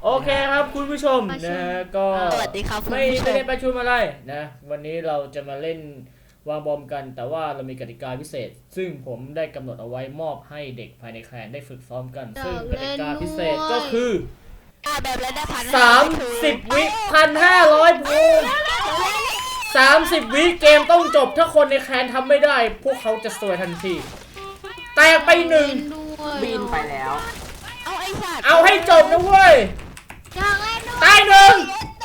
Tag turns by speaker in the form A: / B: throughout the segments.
A: โอเคครับคุณผู้ชมนะก็
B: สวัสดีครับคุณ
A: ไม่
B: ผู้ชม
A: ได้ประชุมอะไรนะวันนี้เราจะมาเล่นวางบอมกัน แต่ว่าเรามีกติกาพิเศษ ซึ่งผมได้กำหนดเอาไว้มอบให้เด็กภายในแคลนได้ฝึกซ้อมกัน ซึ่งกติกาพิเศษก็คือ
B: แบบแล้วได้
A: 30 วิ1,500 ภูมิ30 วิเกมต้องจบถ้าคนในแคลนทำไม่ได้ พวกเขาจะซวยทันทีแตกไปหนึ่ง
C: บินไปแล้ว
B: เอาไอ้สัตว์
A: เอาให้จบนะเว้ย
B: อยากเล่นด้วย
A: ตายหนึ่ง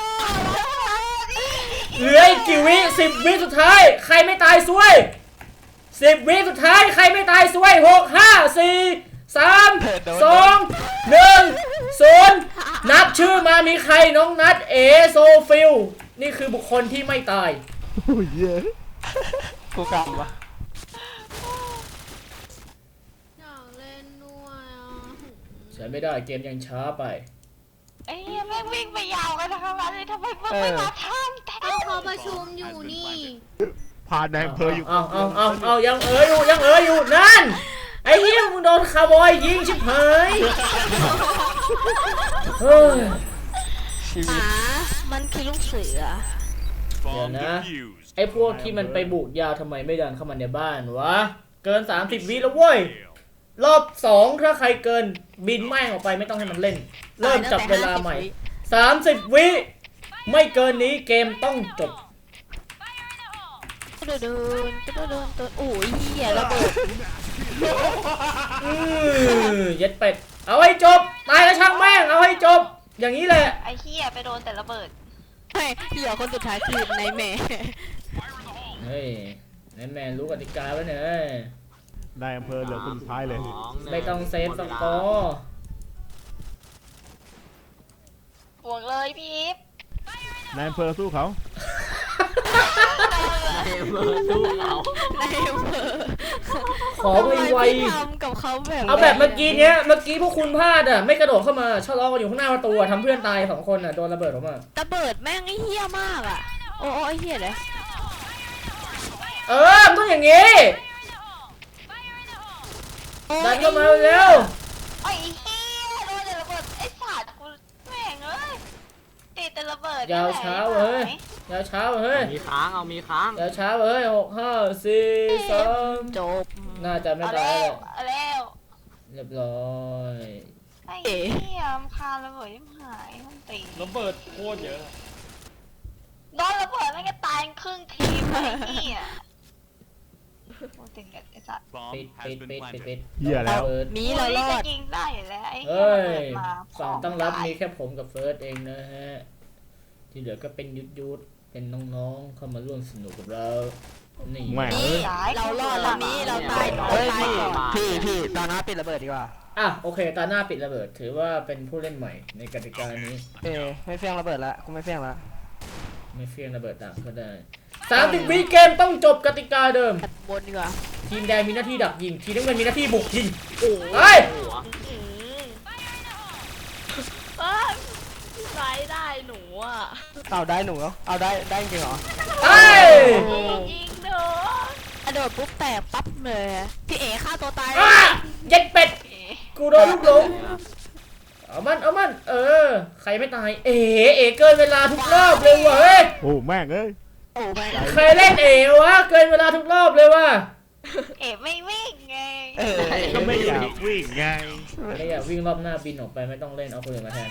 A: เหลืออีกกี่วิ10 วิสุดท้ายใครไม่ตายซวย10 วิสุดท้ายใครไม่ตายซวย6 5 4 3 2 1 0นับชื่อมามีใครน้องนัทเอโซฟิลนี่คือบุคคลที่ไม่ตาย
D: โอ้ยเยอะ
C: กูกำวะ
B: อยากเล่นด้วยอ่ะ
A: ใช้ไม่ได้เกมยังช้าไป
E: ไอ้เหี้ยแม่งวิ่งไปยาวกันนะคะวันนี้ทำไมมึงไม่มาทำแต่
B: ก็เขาประชุมอยู่นี่
D: พาในอำเภออยู่
A: เอายังอยู่นั่นไอ้เหี้ยมึงโดนคาร์บอยยิงชิบหายเฮ้ย
B: มันคือลูกเสือ
A: เดี๋ยวนะไอ้พวกที่มันไปบุกยาวทำไมไม่ดันเข้ามาในบ้านวะเกิน30 วิแล้วเว้ยรอบ2ถ้าใครเกินบินแม่งออกไปไม่ต้องให้มันเล่น เริ่มจับเวลาใหม่30 วิไม่เกินนี้เกมต้องจบ
B: เดินโอ้ยเหี้ยระเบิด
A: เย็ดเป็ดเอาให้จบตายแล้วช่างแม่งเอาให้จบอย่างนี้แหละ
E: ไอ้เหี้ยไปโดนแต่ระเบิด
B: ไม่เหี้ยคนสุดท้ายคือในแม่
A: เฮ้ยนายแมนรู้กติกาไว้เนี่ย
D: ในอำเภอเหลือคนสุดท้ายเลย
A: ไม่ต้องเซฟสกอร์
E: บวกเลยพี่อีฟ
D: ในอำเภอสู้เขา
C: เอเวอร์สู้เรา
B: ในอำเภอ
A: ขอไว
B: ทำกับเขาแบบ
A: ๆเอาแบบเมื่อกี้พวกคุณพลาดอ่ะไม่กระโดดเข้ามาชะลอกันอยู่ข้างหน้าประตูทำเพื่อนตาย2 คนอ่ะโดนระเบิดออกมา
B: ระเบิดแม่งไอ้เหี้ยมากอ่ะโอ้ไอ้เหี้ยเลย
A: มันต้องอย่างงี้ดันเข้ามาเร็ว
E: ไอ้เหี้ยโดนแต่ระเบิดไอ้สัตว์กูแม่งเอ้ยติดแต่ระเบิด
A: ยาวเช้าเฮ้ยยาวเช้าเฮ้ย
C: มีค้างเอามีค้าง
A: ยาวเช้าเฮ้ย6 5 4 3
B: จบ
A: น่าจะไม่
E: เอา
A: ตาย
E: แล้ว
A: เลย
E: เอาแล้ว
A: เรียบร้อย
E: ไอ้เหี้ยมคาระเบิดยิ่งหายมันตี
F: ระเบิดโคตรเยอะ
E: โดนระเบิดแม่งก็ตายครึ่งทีมไอ้เหี้ยโอ้ติดไอ้สัตว์
A: ปิด
D: เหี้ยแล้ว
A: เฟิร์ส
B: มีเรารอด
E: จะยิงได้อยู่แล้วไอ้เหี้ย
A: เฮ้
E: ระ
A: ย
E: เบิดมา
A: ฝั่งตั้งรับมีแค่ผมกับเฟิร์สเองนะฮะที่เหลือก็เป็นยุทธเป็นน้องๆเข้ามาร่วมสนุกกับเรานี่
D: แหม่
B: นี่เรารอดแล้วนี้เราตาย
C: เฮ้ย
B: ตายก่อน
C: พี่ตอนนั้นปิดระเบิดดีกว่า
A: อ่ะโอเคตาหน้าปิดระเบิดถือว่าเป็นผู้เล่นใหม่ในกติกานี้
C: ไม่เฟี้ยงระเบิดละกูไม่เฟี้ยงละ
A: ไม่เฟี้ยงระเบิดต่างก็ได้30 วิเกมต้องจบกติกาเดิม
B: บนดีกว่า
A: ทีมแดงมีหน้าที่ดักยิงทีมน้ำเงินมีหน้าที่บุกยิงเฮ้ย
C: หัว
E: ไล่ได้หนูอ่ะ
C: เอาได้หนูเหรอเอาได้จริงเหรอ
A: เฮ้ย
E: ยิงหนู
B: กระโดดปุ๊บแตกปั๊บเลยพี่เอ๋ฆ่าตัวตาย
A: อ่ะเย็ดเป็ดกูโดนลูกหลงเอามันใครไม่ตายเอ๋เกินเวลาทุกรอบเลยเว้ย
D: โอ้แม่งเอ้ย
B: โอ้แม่ง
A: เคยเล่นวะเกินเวลาทุกรอบเลยว่ะ
E: เอ๋ไม่วิ่งไง
D: ก็ไม่อยากวิ่งไง
A: ไม่อยากวิ่งรอบหน้าบินออกไปไม่ต้องเล่นเอาคนอื่นมาแทน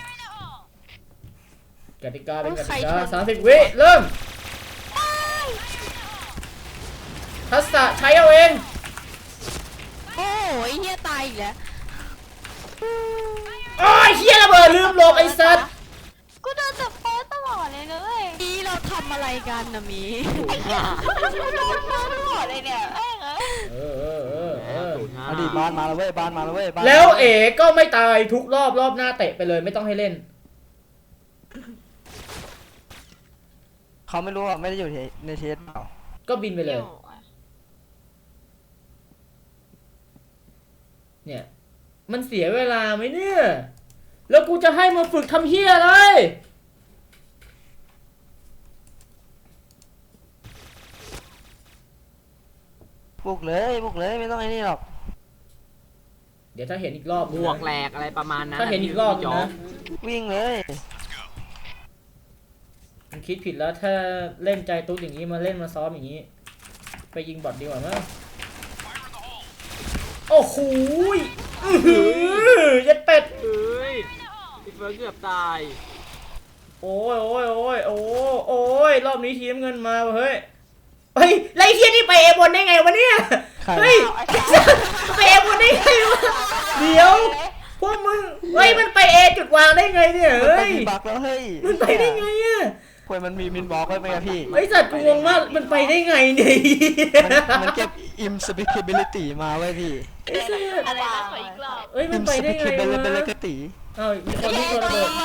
A: กติกาเป็นกติกา30 วิเริ่มทักษะใช้เอาเอง
B: โอ้ยเฮียตายอีกแล้ว
A: โอ้ยเฮียระเบิดลืมหลบไอ้สัตว์
E: กูโดนจับเฟิร์สตลอดเลยนะเว้ย
B: นี่เราทำอะไรกันนะมี
E: กูโดนเฟิร์สตลอดเลยเนี่ยเอ้ย
C: อดีตบ้านมาแล้วเว้ยบ้านมาแล้วเว้ยบ้าน
A: แล้วก็ไม่ตายทุกรอบหน้าเตะไปเลยไม่ต้องให้เล่น
C: เขาไม่รู้อ่ะไม่ได้อยู่ในเทสเปล่า
A: ก็บินไปเลย เนี่ยมันเสียเวลาไหมเนี่ยแล้วกูจะให้มาฝึกทำเฮียอะไร
C: บุกเลยไม่ต้องไอ้นี่หรอก
A: เดี๋ยวถ้าเห็นอีกรอบบ
F: วกแหลกอะไรประมาณนั้น
A: ถ้าเห็นอีกรอบนะ
C: วิ่งเลย
A: มันคิดผิดแล้วถ้าเล่นใจตุ๊ดอย่างนี้มาเล่นมาซ้อมอย่างนี้ ไปยิงบอทดีกว่ามั้งโอ้โหยัดเป็ด
F: เฮ้ยพี่เฟิร์สเกือบตาย
A: โอ้ยรอบนี้ทีมเงินมาเฮ้ยเฮ้ยไรเทียนี่ไปเอบนได้ไงวะเนี่ยเฮ้ยไปเอบนได้ไงวะเดี๋ยวพวกมึงเฮ้ยมันไปเอจุดวางได้ไงเนี่ย
C: มัน
A: เฮ้
C: ไป
A: ย
C: มีบักแล้วเฮ้ย
A: มันไปได้ไงอะ
C: ควยมันมีมินบล็อกไว้ไหมอะพี่
A: ไอสัตว์กูงงมากมันไปได้ไงเนี่ย
C: มันเก็บ imspeakability มาไว้พี่
A: ไอ้สัตว์
E: อะไรนะขออีกรอบ
A: เอ้ยมันไปได้ไงวะ
C: imspeakability
A: เอ้ามีคนที่โดนระเบิด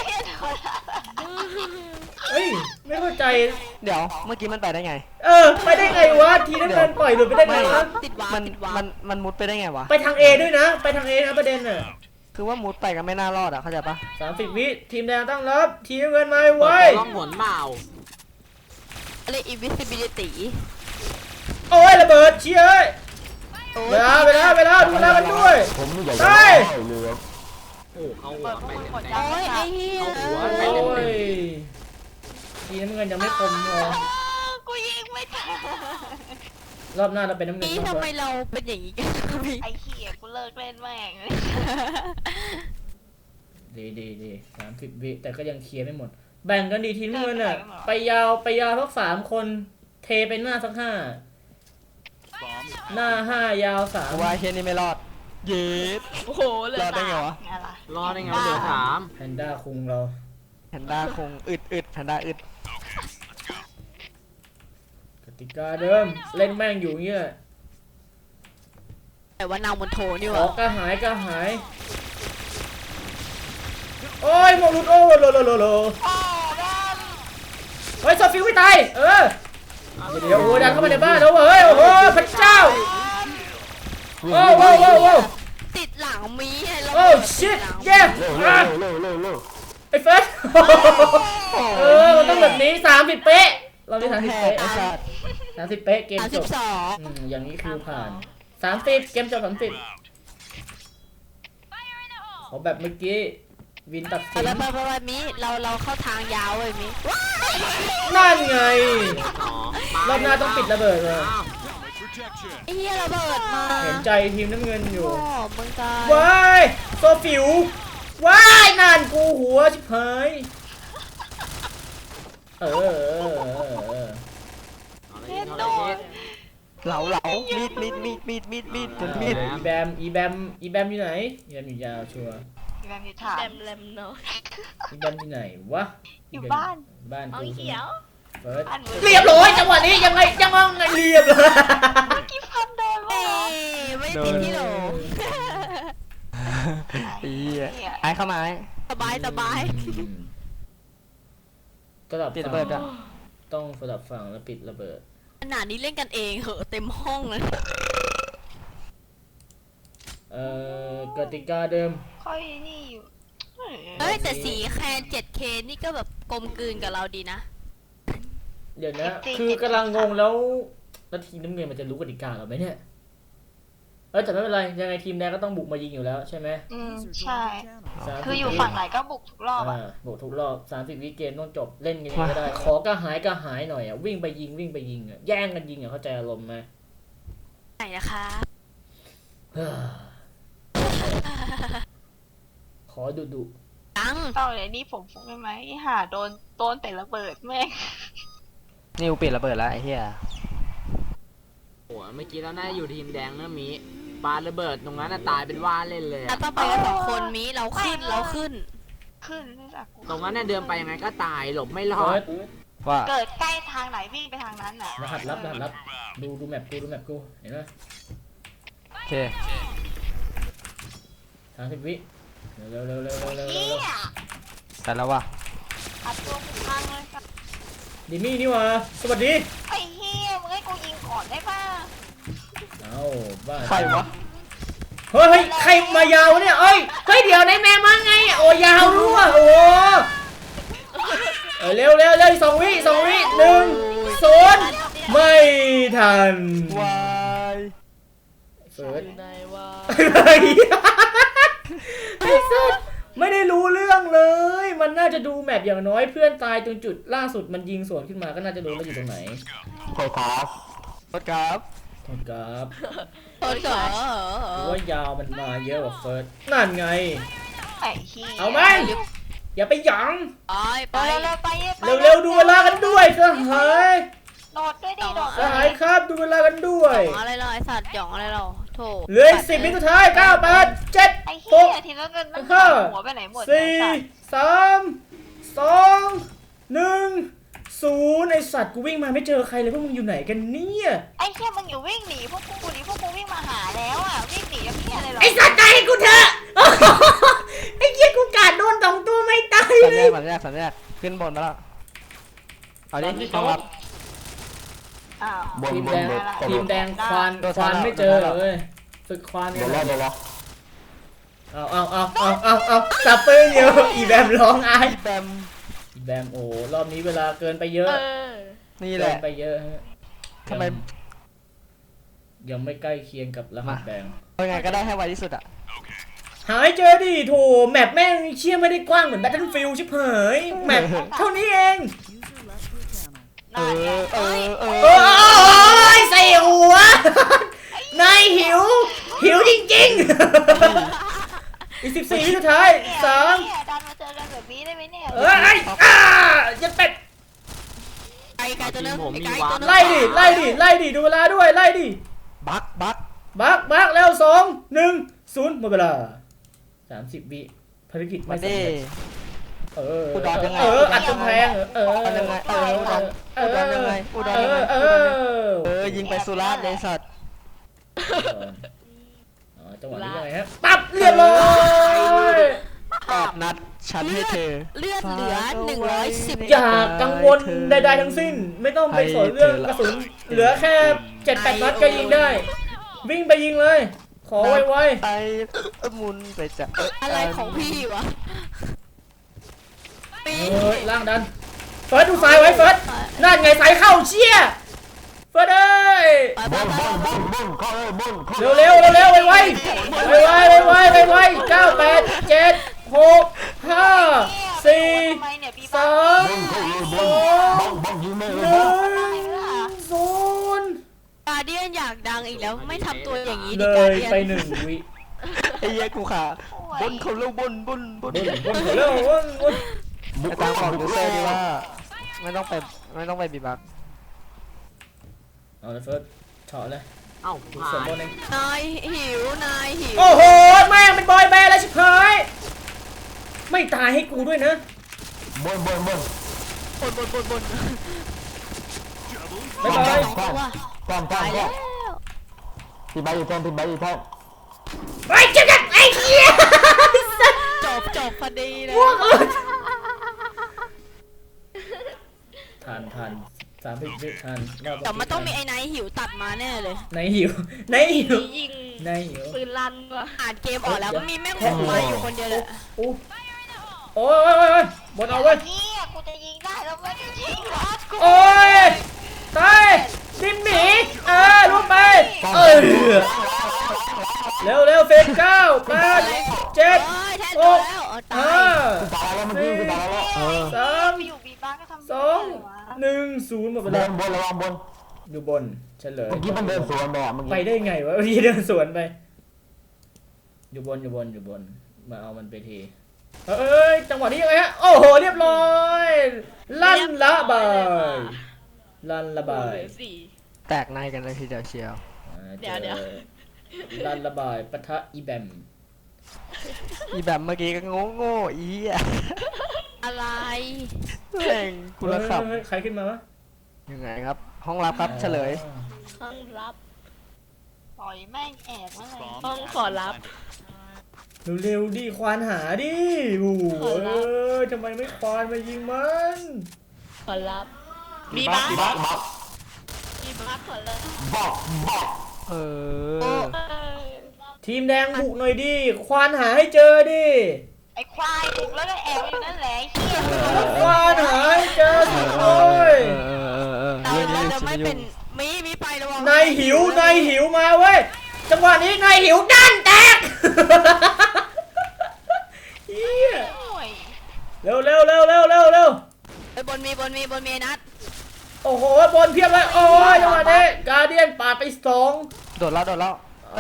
A: เฮ้ยไม่เข้าใจ
C: เดี๋ยวเมื่อกี้มันไปได้ไง
A: ไปได้ไงวะทีนั้นมันปล่อยหลุดไปได้ไงวะ
B: ติดวาง
C: มัน
B: ติดวาง
C: มันมุดไปได้ไงวะ
A: ไปทาง A ด้วยนะ ไปทาง A นะประเด็นน่ะ
C: คือว่ามุดไปก็ไม่น่ารอดอะเข้าใจปะ
A: 30 วิทีมแดงตั้งรับทีมเงินมาไว้
F: ล่องหนเปล่า
B: อะไร invisibility
A: โอ้ยระเบิดเชี่ยเวลาดูเวลากันด้วยไป
F: โอ้เขาหัวไปเต็ม
B: โอ้ยไอ้เหี้ย
F: เขาหัว
A: โอ้
F: ไปเต็ม
A: ยทีมเงินยังไม่คมพอ
E: กูยิงไม่ทัน
A: รอบหน้าเราเป็นน้ำเงิน
B: นี่ทำไมเราเป็นอย่างนี้กันพี่
E: ไอ้เหี้ยกูเลิกเล่นแม่งเลย
A: ดี30 วิแต่ก็ยังเคลียร์ไม่หมด แบ่งกันดีทีมเงินอ่ะไปยาวทั้ง3 คนเทไปหน้าสัก5หน้า5ยาว
C: ว่าเฮียนี่ไม่รอด เย็ด
B: โอ้โหเหลย
C: รอดได้ไงวะ
E: ไงล่ะ
F: รอได้ไงวะเหลือ3
A: 3แพนด้าคุงเรา
C: แพนด้าคงอึดแพนด้าอึด
A: กติกาเดิมเล่นแม่งอยู่เงี้ย
B: แต่ว่านางบนโถนี่
A: ข
B: วะ
A: อกระหายโอ้ยโมลุดโอ้โลเฮ้ยซอฟิวไม่ตายเดี๋ยวโอ้ยดันเข้ามาในบ้านแล้วเฮ้ยโอ้โหพระเจ้าโอ้
B: ติดหลังมีไอ้เรา
A: โอ้ชิตเย้ไอ้เฟิร์สมันต้องแบบนี้30 เป๊ะเราได้30 เป๊ะ
C: ไอ้สัตว์
A: 30 เป๊ะเกมจบ
B: 32
A: อย่างนี้คือผ่าน30เกมจบ30ขอแบบเมื่อกี้วินตัดสิน
B: ไปมิเราเข้าทางยาวเลยมิ
A: นั่นไง
F: 2
A: รอบหน้าต้องปิดระเบิดเลย
B: ไอ้เหี้ยระเบิดมา
A: เห็นใจทีมน้ำเงินอยู่
B: โอ้มึงตาย
A: ว้ายโซฟิวว้ายนานกูหัวชิบหาย
E: เล่น
F: เอา
E: โด
F: เลย
E: น
C: เหลามีดจนมีด
A: อีแบมอยู่ไหนอีแบมอยู่ยาวชัวร์
E: อีแบมอยู่ถาม
B: เนาะ
A: อีแบมอยู่ไหนวะ
E: อยู่บ้าน
A: บ้าน
E: เอา
A: กู
E: เขียว
A: เฟิร์ส
E: บ้านมึง
A: เรียบร้อยจังหวะนี้ยังไงเรียบร้อย
E: กี่พันโดนวะ
B: ไม่ติดที่โหล
C: อีไอ้เข้ามาไอ้
B: สบาย
A: สลับ
C: ติดระเบิดอะ
A: ต้องสลับฝั่งแล้วปิดระเบิด
B: ขนาดนี้เล่นกันเองเหอะเต็มห้องเลย
A: กติกาเดิม
E: ค่อยนี่อยู่
B: เฮ้ยแต่สีแคน 7K นี่ก็แบบกลมกลืนกับเราดีนะ
A: เดี๋ยวนะคือกำลังงงแล้วทีมน้ำเงินมันจะรู้กติกาหรอไหมเนี่ยแต่ไม่เป็นไรยังไงทีมแดงก็ต้องบุกมายิงอยู่แล้วใช่ไหม
E: ใช่ คืออยู่ฝั่งไหนก็บุกทุกรอบอ่ะ
A: บุกทุกรอบ30 วิเกมต้องจบเล่นกันยังไงก็ได้ขอกระหายหน่อยอ่ะวิ่งไปยิงอ่ะแย่งกันยิงอ่ะเข้าใจอารมณ์ไหม
B: ไหนนะคะ
A: ขอดุ
B: ตัง
E: เอาเลยนี่ผมฟุกได้ไหมหาโดนแต่ระเบิดแม่ง
C: นิวปิดระเบิดแล้วไอ้เหี้ย
F: โอ้เมื่อกี้เราน่าจะอยู่ทีมแดงนะมีปาระเบิดตรงนั้นตายเป็นว่าเล่นเลย
B: ถ้าต้องไปกัน2 คนมิเราขึ้น
E: ขึ้นไม่จากกู
F: ตรงนั้นเนี่ยเดินไปยังไงก็ตายหลบไม่ร
A: เฟิ
F: อ
A: ร์
F: ด
A: ส
C: ว่า
E: เกิดใกล้ทางไหนวิ่งไปทางนั้นน่ะ
A: รหัสลับดูแมปกูเห็นไหม
C: โอเค
A: 30 วิเร็ว
E: เฮีย
C: แต่แล้วว่ะ
E: อัดตัวกูพังเลยครับ
A: ดิมี่นี่วะสวัสดี
E: ไอ้เฮียมึงให้กูยิงก่อนได้ป่ะ
A: เอาบ้า
C: ใครวะ
A: เฮ้ยใครมายาวเนี่ยเฮ้ยเดี๋ยวในแม่มาไงโอ้ยาวรู้อ่ะโอ้เร็ว2 วิ1 0ไม่ทัน
C: วาย
A: เฟิร์ส
B: ไหนวะ
A: เลยไอ้สัสไม่ได้รู้เรื่องเลย มันน่าจะดูแมปอย่างน้อยเพื่อนตายตรงจุดล่าสุดมันยิงสวนขึ้นมาก็น่าจะรู้ว่าอยู่ตรงไหน
C: โทษครับโทษครับ
A: โทษครับ
B: โอ้ยเหรอ
A: หรือว่ายาวมันมาเยอะกว่าเฟิร์สนั่นไง
E: ไอ้เหี้ย
A: เอาไหมอย่าไปหยอง
B: ไป
E: ไปไป
A: เร็วๆดูเวลากันด้วยสหาย
E: โดดด้วยดิโดด
A: สหายครับดูเวลากันด้วย
B: หยองอะไรเราไอสัตว์หยองอะไรเราโถ
A: เหลืออีก10 วิสุดท้าย9 8 7
E: ไอ้เหี้ย
A: 6
E: ทีละเงินมัน
A: ห้า
E: หัวไปไหนหมด
A: 4 3 2 1 0ไอสัตว์กูวิ่งมาไม่เจอใครเลยพวกมึงอยู่ไหนกันเนี่ย
E: ไอ้เหี้ยมึงอยู่วิ่งหนีพวกกูดิพวกกูวิ่งมาหาแล้วอ่ะวิ่งหนีกับเหี้ยอะไรหรอ
A: ไอสัตว์ตายให้กูเถอะ ไอ้เหี้ยกูกาดโดน2 ตัวไม่ตาย
C: สัญ
A: เล
C: ญาย สัญญาขึ้นบนมาแล้วเอาดิต้องรับ
E: อ้าว
A: ทีมแดงควานไม่เจอเลยฝึกควานกันเอาสับปืนอยู่อีแบมร้องไอ้
C: แบม
A: อีแบมโอ้รอบนี้เวลาเกินไปเยอะ
C: นี่แห
A: เกิ
C: ละ
A: นไปเยอะฮะ
C: ทำไม
A: ยังไม่ใกล้เคียงกับรหัสแดง
C: เอาไงก็ได้ให้ไวที่สุดอ่ะ
A: หายเจอดิโถแมปแม่งเชี่ยไม่ได้กว้างเหมือน Battlefield ชิบหายแมปเท่านี้เอง
E: น่าไง
C: เออ
A: โอ้ยใส่หัวนายหิวจริงๆ อีก14 วิสุดท้าย3
E: เนี่ยดันมาเจอกันแบบนี้ได้ไหมเนี่ย
A: เอ้ยยันเป็ด
B: ไกลตัวนึงไกลตัวนึง
A: ไล่ดิดูเวลาด้วยไล่ดิ
C: บัก
A: บักแล้ว2 1 0หมดเวลา30 วิภารกิจ
C: ไม่
A: สำ
C: ได้
A: เร็จ
C: อุดรยังไง
A: อัดกำแพง
C: ยังไงอุดรยังไงอุดรยังไงยิงไปสุราษฎร์เลยสัตว์
A: จังหวะนี้ยังไงฮะปั๊บเรียบร้อย
C: 8 นัดฉันให้เธอ
B: เลือดเหลือ110
A: อย่ากังวลใดๆทั้งสิ้น ไม่ต้องไปสนเรื่องกระสุนเหลือแค่ 7-8 นัดก็ยิงได้ วิ่งไปยิงเลย ขอไว
C: ไอ้มุนไปจะ
B: อะไรของพี่วะ
A: ๆล่างดันเฟิร์สดูซ้ายไว้เฟิร์สนั่นไงสายเข้าเชี่ยเฟิร์สเอ้ย
B: ไป
A: เร็วไวๆ9 8 7 6 5 4
E: ทำไมเนี่ยปี
A: 3
E: บ้า
A: 2 1 0
B: กาเดียนอยากดังอีกแล้วไม่ทำตัวอย่างนี้
A: เล
B: ดิกาย เดียน
A: ไป1 วิ
C: ไอ้เหี้ยกูขาบนเขาเร็วบน
A: บนเร็ว
C: ไอ้ตามของยูเซอร์ดีว่าไม่ต้องไปบีบัก
A: เอาเลยเฟิร์สเฉาะเลย
F: เอ้า
A: ส
F: ผ่าม น
A: บูรณ์เอง
B: นายหิวนายหิว
A: โอ้โหแม่งเป็นบอยแบนด์แล้วชิบหายไม่ตายให้กูด้วยนะ
B: บน
A: บ๊ายบาย
B: ตายแล้ว
C: ทีใบอยู่แทน
A: ไอ้เจ็บไอ้เหี้ย
B: จบพอดีเลย
A: พวกอื่นทัน30 วิทัน
B: แต่มันต้องมีไอ้นายหิวตัดมาแน่เลย
A: ในหิว
E: ยิง
A: ในหิว
E: ปืนลั่นว่ะ
B: อ่านเกมออกแล้วมีแม่งคงมาอยู่คนเดียวเลย
A: โอ้ยบนเอาเว้ย
E: เหี้ยกูจะยิงได้แล้วไม่ได้ยิงหรอกกู
A: โอ้ยตายดิมหมีลงไปเร็วเฟส9 8 7
B: แท้ตัวแล้วตาย
A: 5 4 3
E: ไปอยู่บีบ้าก็ทำ
A: 2 1 0หมดเวลา
C: ระวังบน
A: อยู่บนเฉลย
C: เมื่อกี้มันเดินสวนแบบเมื่อ
A: ไป
C: กี้
A: ได้ไงวะพี่เดินสวนไป อยู่บนมาเอามันไปทีเอ้ยจังหวะนี้ยังไงฮะโอ้โหเรียบร้อยลั่นละบาย
C: แตกในกันเลยทีเดียวเชียว
B: เดี๋ยว
A: ลั่นระบายปะทะอีแบม
C: อีแบบเมื่อกี้ก็โง่อีอ่ะ
B: อะไร
C: แม่งกูละขับ
A: เฮ้ยใครขึ้นมาวะ
C: ยังไงครับ ห้องรับครับเฉลย
B: ห้องรับ
E: ปล่อยแม่งแอบมาเลย
B: ห้องขอรับ
A: เร็วๆดิควานหาดิโอ้โหทำไมไม่ควานมายิงมัน
B: ขอรับ
E: บีบ้าบีบ้าขอเลย
C: เออ
A: ทีมแดงบุกหน่อยดิควานหาให้เจอดิ
E: ไอ้ควายถูกแล้วก็แอบอยู่นั่นแหละไอ้เหี้ย
A: ควานหาให้เจอสิโอ้ย
B: เราจะไม่เป็นมีไประวัง
A: นายหิวมาเว้ยจังหวะนี้นายหิวด้านแตกเฮีย
E: โอ้ย
A: เร็ว
B: ไอ้บนมีนัด
A: โอ้โหบอลเพียบเลยโอ้ยจังหวะนี้การเดียนปาดไป2
C: โดดแล้ว
B: บน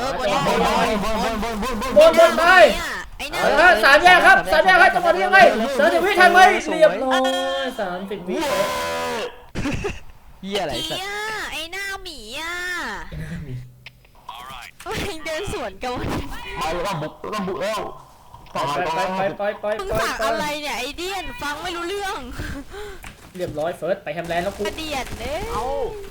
A: บนไป
B: ไอ้
A: เอา
B: นั่น
A: ละฮะ3 แยกครับ3 แยกครับจังหวะนี้ยังไง30 วิทันไหมเรียบร้อย30 วิ
C: เหี้ยอะไรสัต
B: เหี้
C: ว์
B: ยไอ้หน้าหมีอ่ะเดินสวนกัน
A: ไป
B: มึงฝากอะไรเนี่ยไอเดียนฟังไม่รู้เรื่อง
A: เรียบร้อยเฟิร์สไปแฮมแลนด์แล้วกู
B: กระเดียดเด้
F: เอา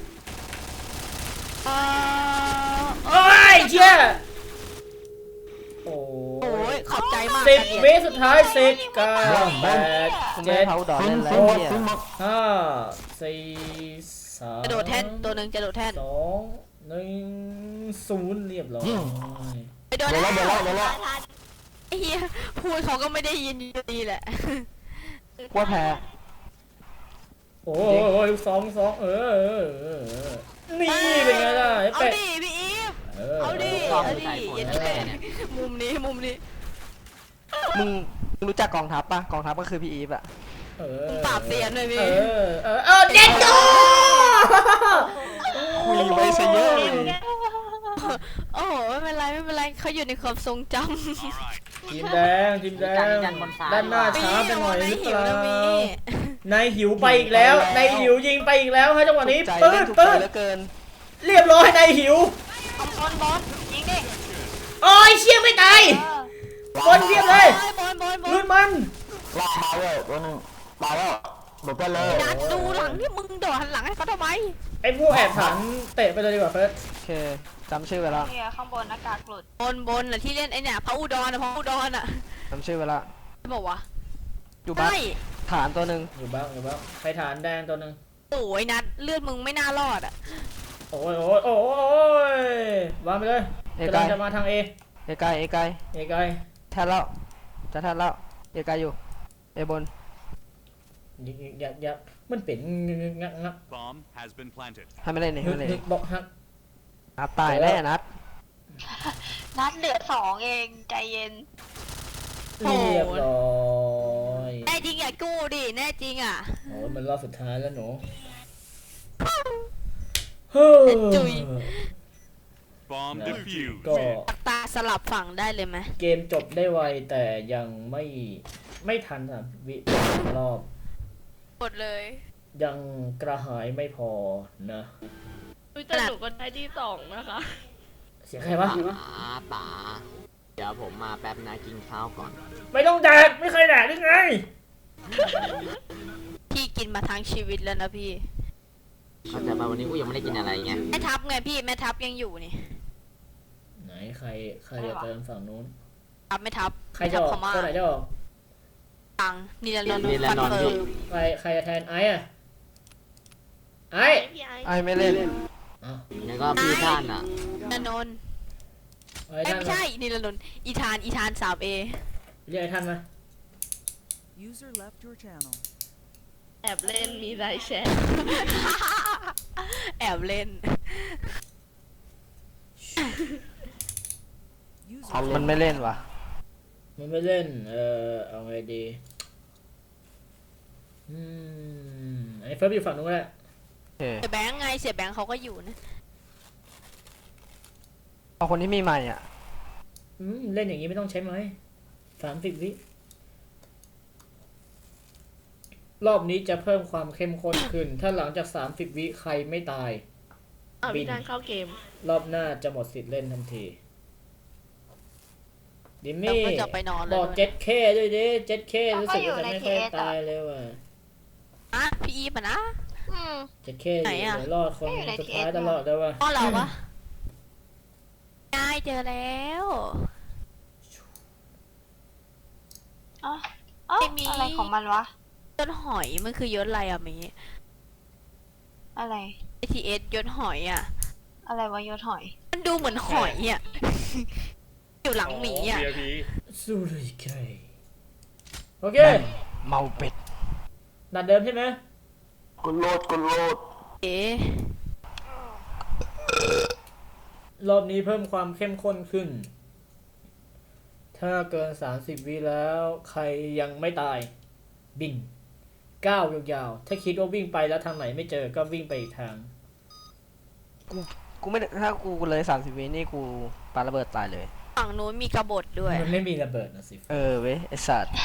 A: โอ้ยเชี่ยโอ้
B: โอ้ยขอบใจมาก
A: 10 วิสุดท้าย10 9 8
C: กูไม่ให้เขาดอกเล่นอะไรเหี้ย
A: 5 4 3
B: กระโดดแท่นตัวหนึ่งจะโดดแท่น
A: 2 1 0เรียบร้อย
B: ไปโดดแล้วไอ้เหี้ยพูดเขาก็ไม่ได้ยินอยู่ดีแหละ
C: กลัวแพ้
A: โอ้ยลูกสองนี่เป็นไงล่ะไอ้
B: เอา
A: เป็ด
B: ดิพี่อีฟ
A: เออ
B: เอาดิเอาดิอย่าแย่มุมนี้
C: มึงรู้จักกองทัพปะกองทัพก็คือพี่อีฟอะ
A: เออ
B: ปราบเซียนเลยพี่
A: เด็ดโต
C: คุยไว้ซะเยอะเลย
B: โอ้โหไม่เป็นไรเขาอยู่ในความทรงจำ
A: ทีมแดงด้านหน้าช้าไปหน่อยหรือเปล่านายหิวไปอีกแล้วนายหิวยิงไปอีกแล้วฮะจังหวะนี้
C: ถูกใจ
A: ปื้
C: เล่
A: ด
C: นถูกใจ
A: ปื้ด
C: เหลือเกิน
A: เรียบร้อยนายหิว
E: บอลยิงดิ
A: โอ้ยเชี่ยไม่ตายบอลเรียบเลย
B: บอล
A: ลื่นมัน
B: นัดดูหลังที่มึงโดดหันหลังให้เขาทำไม
A: ไอ้พวกแอบถังเตะไปเลยดีกว่าเฟิร์ส
C: โอเคจำชื่อไว้ละ
E: เนี่ยข้างบนอากาศหลุด
B: บนน่ะที่เล่นไอ้เนี่ยพระอุดรอ่ะ
C: จำชื่อไว้ละ
B: บอกว่า
C: อยู่บ้าน
B: ใช่
C: ฐานตัวหนึ่ง
A: อยู่บ้างใครฐานแดงตัวหนึ่ง
B: โอ้ยนัดเลือดมึงไม่น่ารอดอ่ะ
A: โอ้ยวางไปเลยกำลังจะมาทางเอ
C: เอไกล
A: ไกล
C: แทนแล้วจะแทนแล้วเอไกลอยู่เอบน
A: ยักมันเป็นงัก
G: Bomb has been planted.
C: ให้ไม่เล่นนี่ให้ไม่เล่น
A: บอกฮัก
C: นัดตายแน่นัด
E: นัดเหลือ2เองใจเย็น
A: เรียบร้อย
B: แน่จริงอย่ากู้ดิแน่จริงอ่ะ
A: โอ้มันรอบสุดท้ายแล้วหนู
B: จุย
G: Bomb defused.
A: ก็
B: ตาสลับฝั่งได้เลยไหม
A: เกมจบได้ไวแต่ยังไม่ทันวิรอบ
B: หมดเลย
A: ยังกระหายไม่พอนะ
H: แต่หนูก็ได้ที่2นะคะ
A: เสียงใครวะ
F: ป๋าเดี๋ยวผมมาแป๊บนะกินข้าวก่อน
A: ไม่ต้องแดกไม่เคยแดกได้ไง
B: พี่กินมาทั้งชีวิตแล้วนะพี่
F: เข้าใจป่ะวันนี้กูยังไม่ได้กินอะไรไง
B: แม่ทัพไงพี่แม่ทัพยังอยู่นี่
A: ไหนใครจะเติมฝั่งนู้น
B: ทัพไม่ทัพ
A: ใครจะออก
B: พม่า
A: ตัวไหนจะออก
B: ตังนี่ละนน
F: นี่ละนนท์พี่
A: ใครจะแทนไอ้อะไอ้
H: พี่ไอ
C: ไอไม่เล่น
A: อ้าว
F: แล้วก็พี่ท่านอ่ะ
B: ละนน
A: ไอ้ท่าน
B: ไม่ใช่นี่ละนนอีธาน3A
A: เรียกไอ้ท่านมา
I: User left your channel.
H: แอบเล่นมีไลน์แชท
B: แอบเล่น
I: User
C: มันไม่เล่นว่ะ
A: มันไม่เล่นเอาไงดีไอ้เฟิร์สอยู่ฝั่งนู้นแหละ
C: โอเค
B: เสียแบงค์ไงเสียแบงค์เขาก็อยู่นะ
C: เอาคนที่มีใหม่อ่ะ
A: เล่นอย่างนี้ไม่ต้องใช้ไม้30 วิรอบนี้จะเพิ่มความเข้มข้นขึ้น ถ้าหลังจาก30 วิใครไม่ตาย
H: พี่ดันเข้าเกม
A: รอบหน้าจะหมดสิทธิ์เล่นทันทีดิม
B: เรา
A: มี่
B: ก็จะไปนอน
A: บ
B: แล้
A: อ
B: ว
A: ก 7K ด้วยดิ 7K รู้สึกว่าจะไม่ค่อยตายเลยว่ะ
B: อ่ะพี่อีฟอ่ะนะ
A: 7K
B: ไหน
A: อยู่
B: อะ
A: เดี๋ยวรอดคนสุดท้ายตลอดเลยว่ะ
B: พ่อเราปะได้เจอแล้ว
E: อ๋ออะไรของมันวะ
B: ยศหอยมันคือยศอะไรอะมี
E: อะไร
B: ATS ยศหอยอะ
E: อะไรวะยศหอย
B: มันดูเหมือนหอยอะอยู่หลังหมีอะ
A: สู้เลยใครโอเค
C: เมาเป็ด
A: นัดเดิมใช่ไหม
B: เอ๊ะ
A: รอบนี้เพิ่มความเข้มข้นขึ้น ถ้าเกิน30วิแล้วใครยังไม่ตายบินก้าวยาวๆถ้าคิดว่าวิ่งไปแล้วทางไหนไม่เจอก็วิ่งไปอีกทาง
C: กูไม่ได้ถ้ากูเลย30 วินี่กูปาระเบิดตายเลย
B: ฝั่งนู้นมีกบฏด้วย
A: มันไม่มีระเบิดนะสิ
C: เว้ยไอสัตว์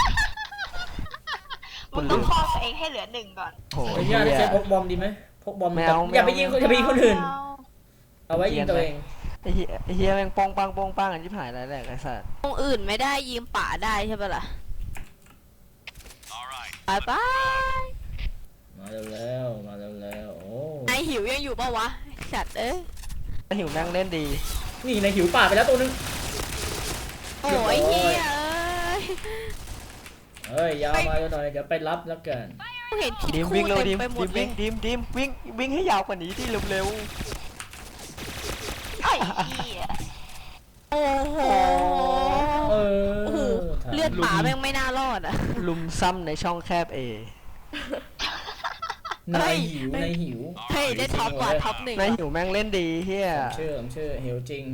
E: มึงต้องคอตัวเองให้เหลือ1ก่อน
C: โห
A: ขออนุญาตใช้พกบอมดีไหมพกบอม
C: ไม่เอา
A: อย่าไปยิง
C: ไม่เอา
A: อย่าไปยิงคนอื่น เอาไว้ยิงตัวเอง
C: ไอเฮียแม่งโป้งปังกันชิบหายแล้วแหละไอสัตว์
B: ตรงอื่นไม่ได้ยิงป่าได้ใช่ปะล่ะไปไป
A: มาแล้วมาแล้วโอ้
B: นายหิวยังอยู่ปะวะสัตว์เอ้ย
C: ไอหิวแม่งเล่นดี
A: นี่ในหิวป่าไปแล้วตัวนึง
B: โอ้ยเฮียเอ้ย
A: เฮ้ยยาวมาหน่อยเดี๋ยวไปรับแล้วกัน
B: เห็นคิด
C: ดิม
B: คู่
C: วิ่งเร็ว
B: เต็
C: ดิ
B: ม
C: ม
B: ไปหมดเลย
C: วิ่งให้ยาวกว่านี้ดิเร็ว
E: ไอ้เหี้ย
B: โอ้โห
A: เอ
B: โอ้โห
A: อ
B: เลือดป่าแม่งไม่น่ารอดอ่ะ
C: ๆลุมซ้ำในช่องแคบเอน
A: ายหิวนายหิว
B: เฮ้ยได้ท็อปกว่าท็อปหนึ่ง
C: นายหิวแม่งเล่นดีเฮีย
A: ผมเชื่อหิวจริง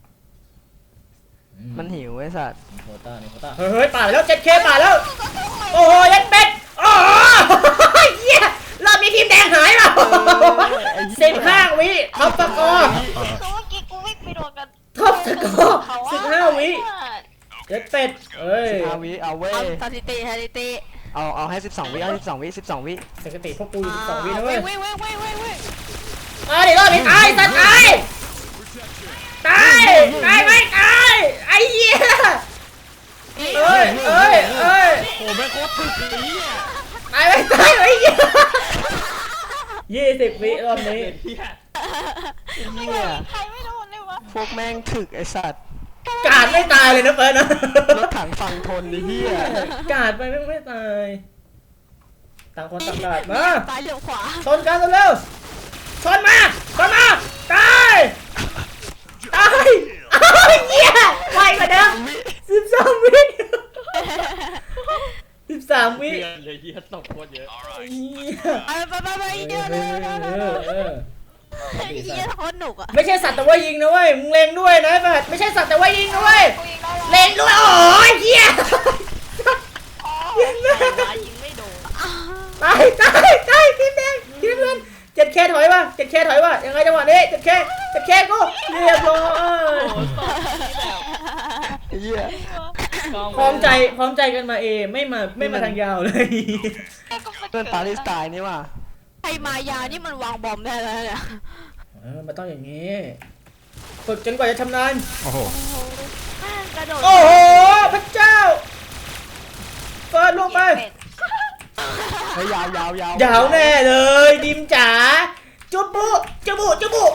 C: มันหิวไอสัตว์
A: โคต้านี่โคต้าเฮ้ยป่าแล้ว 7K ป่าแล้ว โอ้โหยัดเป็ดโอ้โหเหี้ยรอบนี้ทีมแดงหายเปล่า15 วิท็อปสกอร์
E: เมื่อกี้กูวิ่งไปโดนกัน
A: ท็อปสกอร์15 วิยัดเป็ดเอ้ย
C: 15 วิเอาเว้ย
B: เอาสถิติสถิติ
C: เอาให้12 วิเอา12 วิ12 วิ
A: สถิติพวกกูอยู่12 วินะเว้ย
B: เว้ย
A: เดี๋ยวรอบนี้ตายสัตว์ตายไม่ตายไอ้เหี้ยเอ้ย
D: โอ้แม่งโคตรถึกเลยเนี่ย
A: ตายไม่ตายไอ้เหี้ย20 วิรอบนี้
C: เฮีย
E: ใครไม่โดนเลยวะ
C: พวกแม่งถึกไอสัตว์
A: กาดไม่ตายเลยนะเฟิร์นนะ
C: รถถังฝั่งทนดิเฮีย
A: กาดไปไม่ตายต่างคนต่างกาดมา
B: ซ้ายเลี้ยวขวา
A: ชนกันเร็วๆชนมาตายอ้าวเหี้ยไวกว่าเดิม13 วิ13 วิ
D: เดือนเลยที่ตกโคตรเยอะ
A: เหี้ย
B: ไปเดี๋ยวไอ้เหี้ยโคตรหนุกอ่ะ
A: ไม่ใช่สัตว์แต่ว่ายิงนะเว้ยมึงเล็งด้วยนะไอ้แบบไม่ใช่สัตว์แต่ว่ายิงนะเว้ย
E: กูยิงได้แล้ว
A: เล็งด้วยโอ้ยเหี้ย
H: ยิงไม่โดน
A: ตายทีมแดงทีมเงิน7K ถอยว่ะ 7K ถอยว่ะยังไงจังหวะนี้ 7K กูเรียบร้อย
H: โอ้ตอนนี้แบบ
C: เฮีย
A: พร้อมใจกันมาไม่มาทางยาวเลย
C: เพื่อนปาเลสไตน์นี่ว่ะ
B: ไอ้มายานี่มันวางบอมได้แล้วเนี่ย
A: มันต้องอย่างนี้ฝึกจนกว่าจะชำนาญ
D: โอ้โห
H: กระโดด
A: โอ้โหพระเจ้าเปิดลงไป
C: เฮ้ยยาว
A: ยาวแน่เลยดิมจ๋าจุบุลู
E: ขี้โก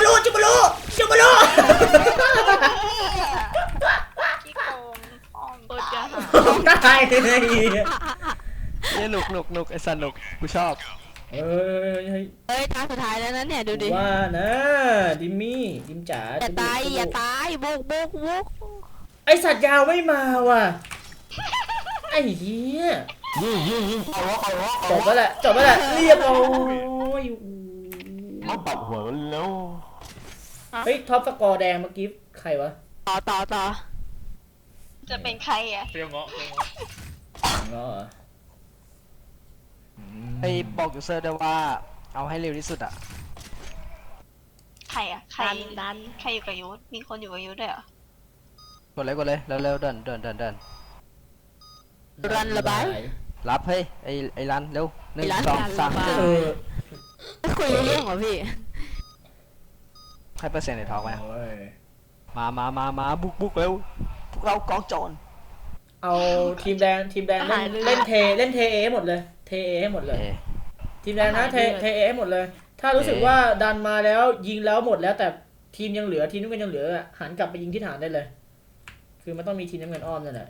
E: งอ้อม
H: โคตรจะหา
A: ตายเลย
C: เนี่ยหนุกไอสัตว์หนุกกูชอบ
A: เฮ้ย
B: เฮ้ยตาสุดท้ายแล้วนะเนี่ยดูดิ
A: ว่านะดิมจ๋า
B: อย่าตายบุก
A: ไอสัตว์ยาวไม่มาว่ะไอ้เหี้ยจบแล้วแหละเรียบร้อย
D: มาปัดหัวมันแล้ว
A: เฮ้ยท็อปสกอร์แดงเมื่อกี้ใครวะ
B: ต่อ
E: จะเป็นใครอ่ะ
D: เปรี้ยวเงาะ
A: อ๋อ
C: ไอบอกยูเซอร์ด้วยว่าเอาให้เร็วที่สุดอ่ะ
E: ใครอ่ะใคร
H: ดัน
E: ใครอยู่กับยุทธมีคนอยู่กับยุทธด้วยเหรอก
C: ดเลยเร็วเดิน
B: รันระบาย
C: รับเฮ้ยไอรันเร็ว1
B: ไอ้รัน
C: 2 3
A: เออ
B: ไม่คุยเรื่องเหรอพี่
C: ให้เปอร์เซ็นต์ในท้องไหม
A: โอ้ย
C: มาบุกเร็วพวกเรากองโจร
A: เอาทีมแดงเล่นเทเอให้หมดเลยเทเอให้หมดเลย ทีมแดงนะเทเอให้หมดเลย ถ้ารู้สึกว่าดันมาแล้วยิงแล้วหมดแล้วแต่ทีมยังเหลือทีมน้ำเงินยังเหลือหันกลับไปยิงที่ฐานได้เลย คือมันต้องมีทีมน้ำเงินอ้อมนั่นแหละ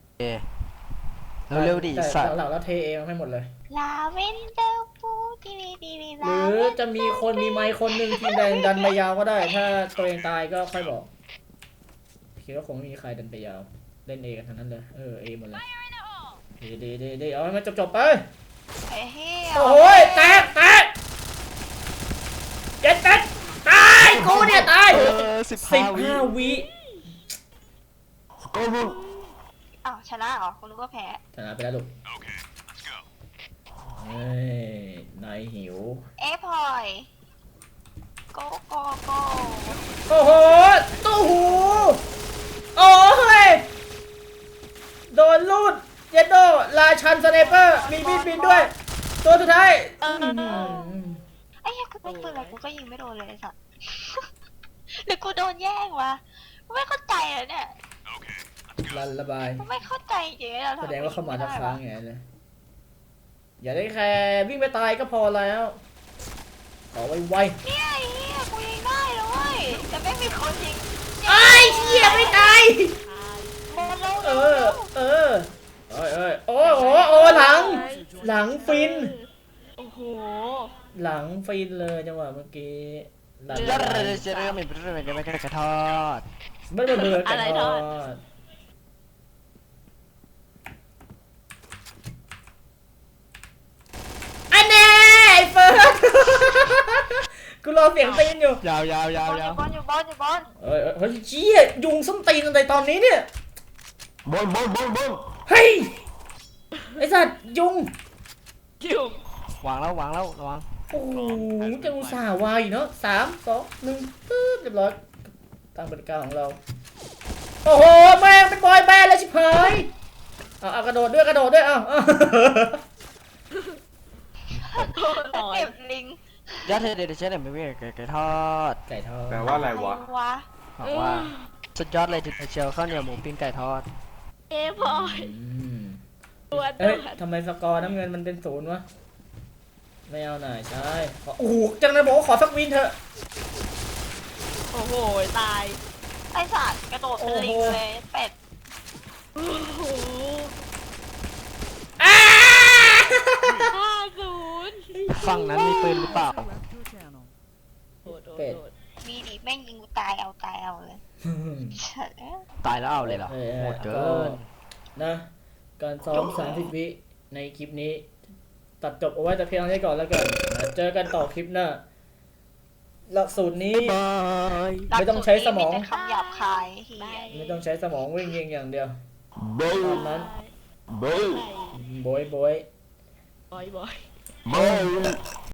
C: เร็วดิ
A: แต่
C: สัตว์
A: หลักๆแล้วเทเอให้หมดเลย
E: ลาเวนเดอร์ฟูดี
A: หรือจะมีคนมีไมค์คนหนึ่งทีมแดงดันไปยาวก็ได้ ถ้าตัวเองตายก็ค่อยบอกคิดว่าคงไม่มีใครดันไปยาวเล่นเอกันทั้งนั้นเลยเอหมดเลยดีเอาให้มันจบไป
E: ไอ้เหี้ย
A: โอ้ยแตกเจ็ดตายกูเนี่ยตาย
C: 15 วิ
A: วิ
D: ก็มึง
E: อ้าวชนะเหรอคุณรู้ว่าแพ้
A: ชนะไปแล้วลูกเฮ้ยนายหิว
E: เอ้พลอยโกโกโก
A: โอ้โหตู้หูโอ้ยโดนลูดเยดโดราชันสไนเปอร์มีมีดบินด้วย ตัวสุดท้าย
E: ไอ้เหี้ยกูเป็นปืนอะไรกูก็ยิงไม่โดนเลยไอ้สัส หรือกูโดนแย่งวะกูไม่เข้าใจเลยเนี่ย
A: รันระบาย
E: กูไม่เข้าใจจริงๆเรา
A: แสดงว่าเข้ามาทักค้างไงเลยอย่าได้แค่วิ่งไปตายก็พอแล้วขอไว
E: เนี่ยไอ้เหี้ยกูยิงได้เลยเว้ยแต่ไม่มีคนยิง
A: ๆไอ้เหี้ยไม่ตาย
E: หมดแล้ว
A: เออเออเอ้ยเอ้ยโอ้โอ้โอ้หลัง หลังฟิน
H: โอ้โห
A: หลังฟินเลยจังหวะเมื่อกี้หลัง
C: จะเริ่มเป็นเรื่องอะไรกันไม่กระทอด
A: ไม่เบื่อกันทอดอันแน่ไอ้เฟิร์ส กูรอเสียงตีนอยู่
C: ยาว
E: บอลอยู่บอลอยู่บอล
A: เฮ้ยเฮ้ยเชี่ยยุงส้นตีนอะไรตอนนี้เนี่ย
D: บอล
A: เฮ้ย ไอ้สัตว์ยุง
H: คิว
C: วางแล้วระวัง
A: โอ้โหจะอุตส่าห์วายเนาะ3 2 1ปึ๊บเรียบร้อยตามกติกาของเรา โอ้โหแม่งเป็นบอยแบนด์แล้วชิบหายเอากระโดดด้วยเอา
E: เก็บลิง
C: ยัดเดี๋ยวเชฟเนี่ยไม่มีไก่ทอด
A: ไก่ทอด
D: แปลว่าอะไรวะ
E: วะ
C: บอกว่าสุดยอดเลยจุดเชียวข้าวเหนียวหมูปิ้งไก่ทอด
H: เอ้พลอย
A: อืม
H: ตัว
A: เอ้ยทำไมสกอร์น้ำเงินมันเป็น0วะ ไม่เอาหน่อยใช่โอ้โหจังเลยบอกว่าขอสักวินเถอะ
H: โอ้โหตาย
E: ไอ้สัตว์กระโดดเป็นลิงเลยเป็ด
H: โอ้โห
A: อ้า
H: 50
C: ฝั่งนั้นมีปืนหรือเปล่า
I: User left your channel.
H: โดด
A: เป็ด
E: มีดิแม่งยิงกูตายเอาเลยเฉย
C: ตายแล้วเอาเลยเหรอโหดเกิน
A: นะการซ้อม30 วิในคลิปนี้ ตัดจบเอาไว้แต่เพียงเท่านี้ก่อนแล้วกันเจอกันต่อคลิปหน้า หลักสูตรนี้
C: บาย
A: ไม่ต้องใช้สมอง
E: แต่คำหยาบคายเฮีย
A: ไม่ต้องใช้สมองวิ่งยิงอย่างเดียว
D: เบล
A: ตามนั้น
D: เบล
A: โบย
H: บอย
D: เบล